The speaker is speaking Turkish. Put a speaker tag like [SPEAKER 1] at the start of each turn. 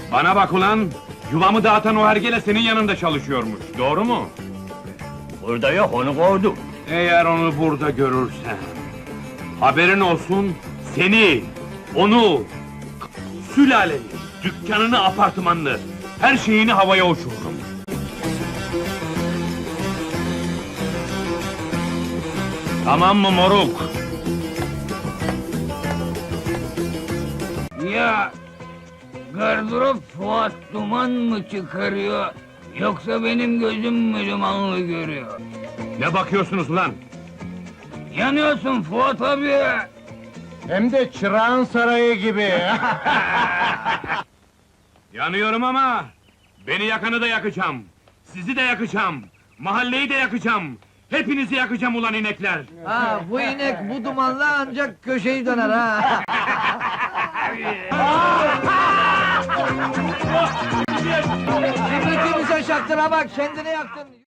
[SPEAKER 1] Bana bak ulan! Yuvamı dağıtan o hergele senin yanında çalışıyormuş, doğru mu?
[SPEAKER 2] Burada yok, onu kovdum.
[SPEAKER 1] Eğer onu burada görürsen... Haberin olsun, seni, onu... Sülaleni, dükkanını, apartmanını... Her şeyini havaya uçururum. Tamam mı moruk?
[SPEAKER 3] Ya gardırop Fuat duman mı çıkarıyor, yoksa benim gözüm mü dumanlı görüyor?
[SPEAKER 1] Ne bakıyorsunuz ulan?
[SPEAKER 3] Yanıyorsun Fuat abi!
[SPEAKER 4] Hem de Çırağan Sarayı gibi.
[SPEAKER 1] Yanıyorum ama... Beni yakanı da yakacağım. Sizi de yakacağım. Mahalleyi de yakacağım. Hepinizi yakacağım ulan inekler.
[SPEAKER 5] Ha, bu inek bu dumanla ancak köşeyi döner ha! Kibritimize şaktıra bak, kendini yaktın!